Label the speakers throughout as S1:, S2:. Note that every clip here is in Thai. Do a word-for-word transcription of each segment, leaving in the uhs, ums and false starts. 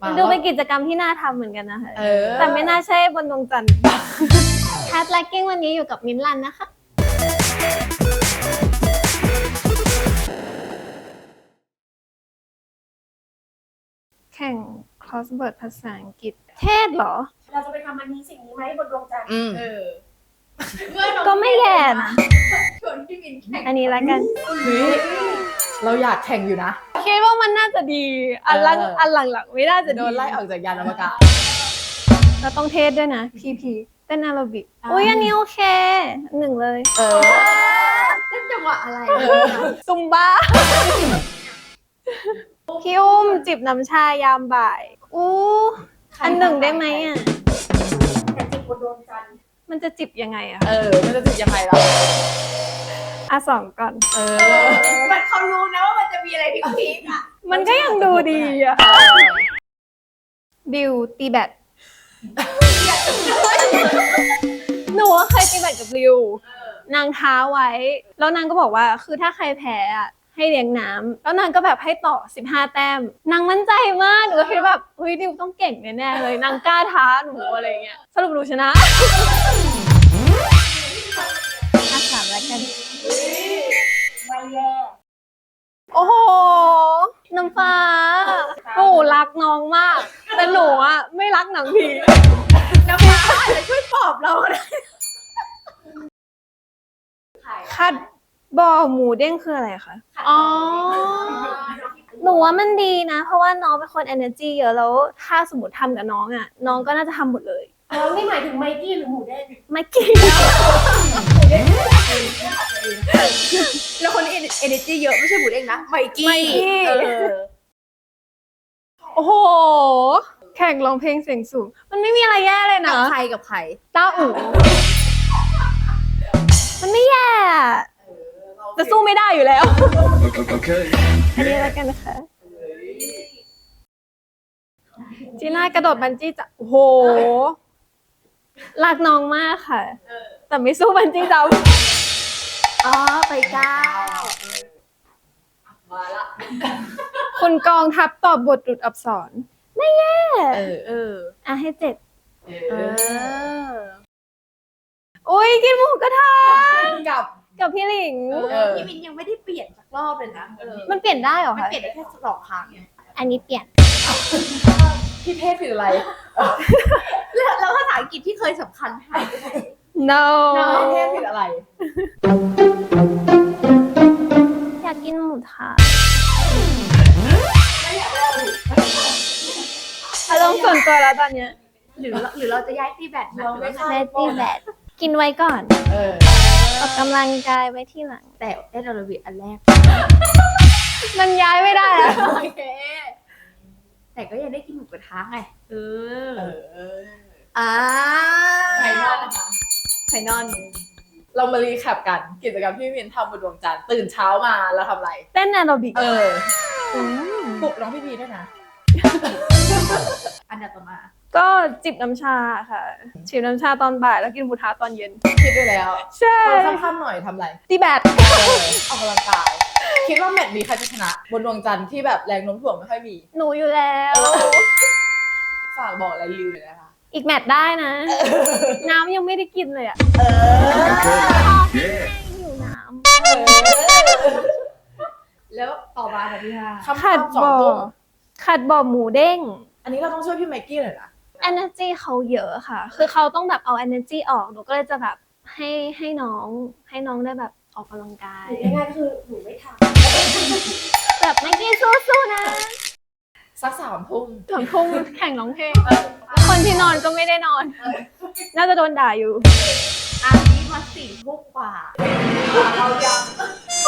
S1: ดูเป็นกิจกรรมที่น่าทำเหมือนกันนะคะ
S2: เออ
S1: แต่ไม่น่าใช่บนดวงจันทร์แคทแลกกิ้งวันนี้อยู่กับมิ้นท์ลันนะคะแข่ง crossword ภาษาอังกฤษเทศเหรอ
S3: เราจะไปทำอันนี้สิ่งนี้ไหมบนดวงจันทร์
S2: อืม
S3: เออ
S1: ก็ไม่แย่นะ
S3: ชวนพี่มินแข่ง
S1: อันนี้แล้วกัน
S2: เฮ้ยเราอยากแข่งอยู่นะ
S1: คิดว่ามันน่าจะดี อันหลัง
S2: เอออั
S1: อันหลังๆไม่น่าจะ
S2: โด
S1: ดี
S2: นไล่ออกจากยานอวกาศ
S1: เราต้องเทศด้วยนะ พี พี เต้นแอโรบิกอุ้ยอันนี้โอเค หนึ่งเลย
S2: เออ
S3: เล่นจังหวะอะไร
S2: เออ
S1: ซุมบ้า พี่อุ้มจิบน้ำชายามบ่าย อู้อันหนึ่งได้ไหมอ่ะ
S3: แต่จิตบนดวงจันทร์
S1: มันจะจิบยังไงอ่ะ
S2: เออมันจะถึงยังไงล่ะ
S1: อ่ะสองก่อน
S2: เออ
S3: มันเขารู้นะว่ามันจะมีอะไรพีคๆอ่ะ
S1: มันก็ยังดูดีอ่ะ บิวตีแบต หนูว่าเคยตีแบตกับบิวนางท้าไว้ แล้วนางก็บอกว่าคือถ้าใครแพ้อ่ะให้เลี้ยงน้ำแล้วนางก็แบบให้ต่อสิบห้าแต้มนางมั่นใจมากหนูก็คิดแบบเฮ้ยดิวต้องเก่งแน่ๆเลยนางกล้าท้าหนูอะไรเงี้ยสรุปหนูชนะอาสามแล้วกัน
S3: ไม่แย่
S1: โอ้โหน้ำฟ้าหนูรักน้องมาก แต่หนูอ่ะไม่รักหนังผี
S3: น้ำฟ้าอาจจะช่วยปลอบเราได้
S1: คัดบ่อหมูเด้งคืออะไรคะอ๋อหนูว่ามันดีนะ เพราะว่าน้องเป็นคน energy เยอะแล้วถ้าสมมติทำกับน้องอ่ะน้องก็น่าจะทำหมดเลย
S3: อ๋อนี่หมายถึงไมกี้หรือหมูเด้ง
S1: ไม่กิน
S3: แล้วคนนี้เอเนจีเยอะไม่ใช่หมูเด้งนะไมกี้
S1: ไมกี้
S3: เออ
S1: โอ้โห แข่งร้องเพลงเสียงสูง มันไม่มีอะไรแย่เลย
S3: กั
S1: นะ
S3: บใครกับใคร
S1: ต้าอู๋มันไม่แย่อะจะสู้ไม่ได้อยู่แล้ว
S4: Okay.
S1: อันนี้แล้วกันนะคะจีน่ากระโดดบันจี้จะโอ้โหรักน้องมากค่ะ แต่ไม่สู้บันจี้จัมป์
S3: อ๋อไปเก้า
S2: มาละ
S1: คุณกองทัพตอบบทหลุดอักษร ไม่แย่
S2: เออ
S3: เออ
S1: อ่ะให้เจ็ด
S2: เอ
S3: เอ
S2: อ
S3: อ
S1: อุ้ยกินหมูกระทะ
S2: กับ
S1: กับพี่หลิง
S2: เออ
S3: พี่มินยังไม่ได้เปลี่ยนสักรอบเลยนะเออ
S1: มันเปลี่ยนได้เหรอ
S3: มัน
S1: คะ
S3: เปลี่ยนได้แค่สองครั้งไง
S1: อันนี้เปลี่ยน
S2: พี่เพศคืออะไร
S3: แล้วแล้วภาษาอังกฤษที่เคยสำคัญหายไปไหน
S1: no
S2: พี่เพศคืออะไร
S1: อยากกินหมูทะอารมณ์ส่วนตัวแล้วตอนเนี้ย
S3: หรือหรือเราจะย้ายตีแบตนะหรือว่า
S1: แบตตี้แบตกินไว้ก่อน
S2: เออ
S1: ออกกำลังกายไว้ที่หลัง
S3: แต่เต้นอาราบิกอันแรก
S1: มันย้ายไม่ได้อะ
S3: โอเค แต่ก็ยังได้กินหมูกระทะไง เออ
S2: เออ
S3: อ่า
S2: ไข่นอนนะคะ
S3: ไข่นอน
S2: เรามารีแคปกันกิจกรรมที่มินทำบนดวงจันทร์ตื่นเช้ามาแล้วทำอะไร
S1: เต้นแอโรบิก
S2: เออ
S1: ม
S2: ปลุกน้องพี่พีด้วยนะ
S3: อันดับต่อมา
S1: ก็จิบน้ำชาค่ะจิบน้ำชาตอนบ่ายแล้วกินหมูทะตอนเย็น
S2: คิดด้วยแล้ว
S1: ใช่
S2: ตอนค่ำๆหน่อยทำอะไร
S1: ตีแบต
S2: เออออกกำลังกาย คิดว่าแมตช์นี้ใครจะชนะ บนดวงจันทร์ที่แบบแรงโน้มถ่วงไม่ค่อยมี
S1: หนูอยู่แล้ว
S2: ฝากบอกอะไรริวหน่อยนะคะ
S1: อีกแมตช์ได้นะ น้ำยังไม่ได้กินเลยอะ
S4: Okay. Yeah.
S1: หิวน้
S3: แล้วต่อมาค่ะพี่ห้า
S1: ำ
S2: คำ
S1: ขัด
S2: สอง
S1: บ่อ
S2: ทุ่ม
S1: ขัดบ่อหมูเด้ง
S2: อันนี้เราต้องช่วยพี่ไมค์กี้หน่อยนะ
S1: energy เขาเยอะค่ะ คือเขาต้องแบบเอา energy ออก หนูก็เลยจะแบบให้ให้น้อง ให้น้องได้แบบออกกำลังกาย
S3: ง่ายๆก็คือหนูไม่ท
S1: แบบไม่กี้สู้ๆนะ
S2: สักสามทุ่ม
S1: ถึงทุ่มแข่งร้องเพลง คนที่นอนก็ไม่ได้นอน น่าจะโดนด่าอยู่
S3: ำอันนี้มาสี่ทุ่มกว่า
S2: เรายัง
S1: โอ้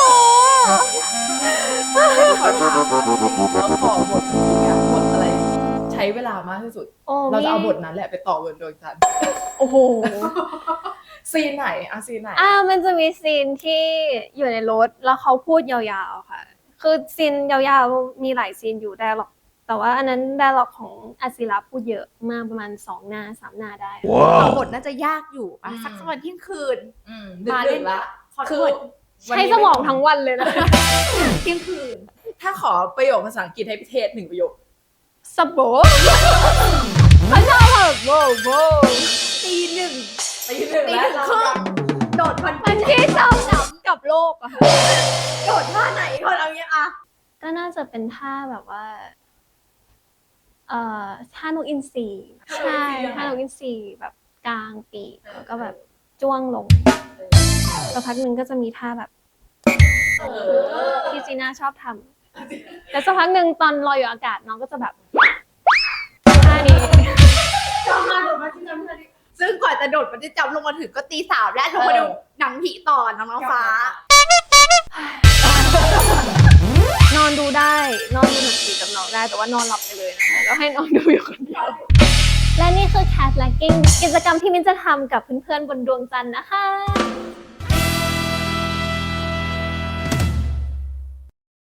S2: ขอถามเราขอบทอยากบทอะไร ใช้เวลามากที่สุด
S1: โอ้
S2: เราจะเอาบ
S1: มี
S2: ทนั้นแหละไปต่อบนดวงจันทร์
S1: โอ้โห
S2: ซีนไหนอะซีนไหน
S1: อ่ามันจะมีซีนที่อยู่ในรถแล้วเขาพูดยาวๆค่ะ คือซีนยาวๆมีหลายซีนอยู่ได้หรอก แต่ว่าอันนั้นได้หรอกของอาศิระพูดเยอะมากประมาณสองหน้าสามหน้าได้
S4: Wow.
S3: บทน่าจะยากอยู่อ่ะสักสักวันเที่ยงคืน
S2: อืม
S3: มา
S2: มา
S3: เล่
S2: เล่
S3: น
S2: นละ
S3: ขอ
S2: คื
S3: โท
S2: อ
S3: ษ
S1: ใช้สมองทั้งวันเลยนะ
S3: เที่ยงคืน
S2: ถ้าขอประโยคภาษาอังกฤษให้พี่เทศหนึ่งประโยค
S1: สบโบเขาชอบแบบโบโบ
S3: ตีหนึ่ง
S2: ตีหนึ่ง
S3: ตี
S2: แล้
S3: ห
S2: ว
S3: นึ่งครึ่งโดดมัน
S1: มันที่ชอบจับกับโลกอะค่ะ
S3: โดดท่าไหนก่อนเอางี้อะ
S1: ก็น่าจะเป็นท่าแบบว่า เอ่อท่านกอินทรีใช่ท่านกอินทรีแบบกลางปีกแล้วก็แบบจ้วงลงสักพักหนึ่งก็จะมีท่าแบบ
S2: เออ
S1: ที่จีน่าชอบทำแต่สักพักหนึ่งตอนลอยอยู่อากาศน้องก็จะแบบท่านี้
S3: จำมาโดดมาที่จำที่ซึ่งก่อนจะโดดมันจะจำลงมาถึงก็ตีสามและลงมาดูหนังผีต่อน้องน้องฟ้า
S1: นอนดูได้ นอนดูหนังผีกับน้องได้ แต่ว่านอนหลับไปเลยนะคะแล้วให้น้องดูอยู่คนเดียว และนี่คือ Cat Lacking กิจกรรมที่มิ้นจะทำกับเพื่อนๆบนดวงจันทร์นะคะ